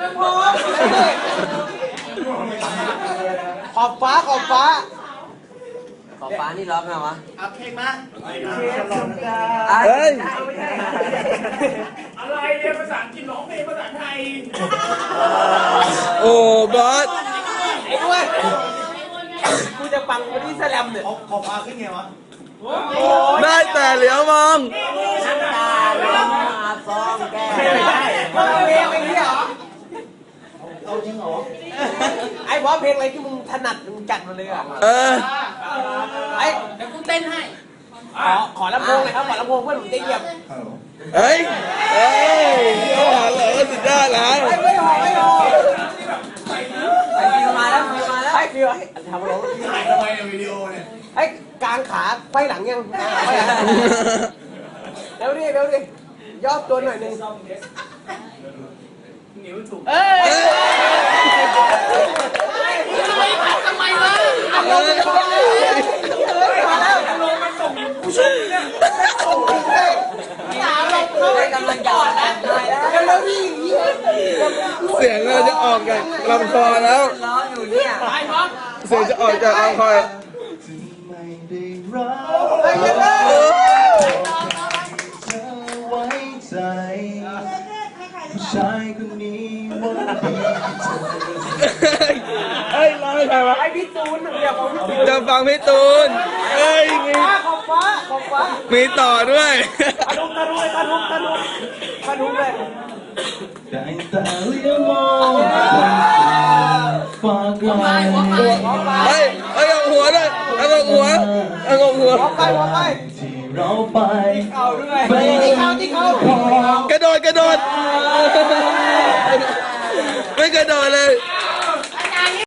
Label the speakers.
Speaker 1: พอขอบฟ้าขอบฟ้า
Speaker 2: ขอบฟ้านี่ร้องไงวะ
Speaker 1: เอาเพลงมา
Speaker 3: เฮ้ย
Speaker 4: อะไรเนี่ยภาษาอังกฤษร้องเพลงภาษาไทย
Speaker 3: โอ้บอส
Speaker 1: ไอ้ด้วยกูจะฟังวันที่แสลมเนี่ย
Speaker 4: ขอบฟ้าขึ้นไงวะ
Speaker 3: ได้แต่เหลียวมอง
Speaker 2: น้ำตาร้องมาฟองแก้
Speaker 1: เพลงอะไรเนี่ยเหรอเอาจริงเหรอไอ้เพราะเพลงอะไรที่มึงถนัดมึงจัดมาเลยอ่ะไอ้เดี๋ยวกูเต้นให้ขอลำโพงหน่อยครับขอลำโพงเพื่อนผมจะเหยียบ
Speaker 3: เฮ้ยโอ้โหเหรอสุดยอดแล้ว
Speaker 1: ไม่หอ
Speaker 2: ไอ้ฟิวมาแล้ว
Speaker 1: ไอ้ฟิวทำอะไร
Speaker 4: ถ่ายทำไมในวิดีโอเนี่ย
Speaker 1: ไอ้กลางขาไขว้หลังยังเร็วดิย่อตัวหน่อยนึงนิ้วถูกทำไมวะอารมณ์มาแล้วอารมณ์มันส่งผู้ชมเนี่ยส่งเลยอารมณ์เขา
Speaker 2: กำลังหยอดแล้ว
Speaker 1: แล้วนี่
Speaker 3: เสียงเราจะออกจากลำคอแล้ว
Speaker 2: ร้องอยู่เนี่ย
Speaker 3: เสียงจะออกจากลำคอ
Speaker 1: ไอ้เหี้ย
Speaker 4: ผู้ชายคนนี้วันดี
Speaker 3: เฮ้ยร้องให้ใครวะ
Speaker 1: ไอ้พี่ตูนเดี๋ยวผม
Speaker 3: จะฟังพี่ตูนเฮ้ยมี
Speaker 1: ขอบฟ้า
Speaker 3: มีต่อด้วย
Speaker 1: ปะทุเลย
Speaker 4: แต่เลี้ยวมองฝากไว้
Speaker 3: เฮ้ยเอาหัวด้วยเอาหัว
Speaker 1: หัวไป
Speaker 4: ที่เราไป
Speaker 1: เอาด้วยที่เขา
Speaker 3: กระโดด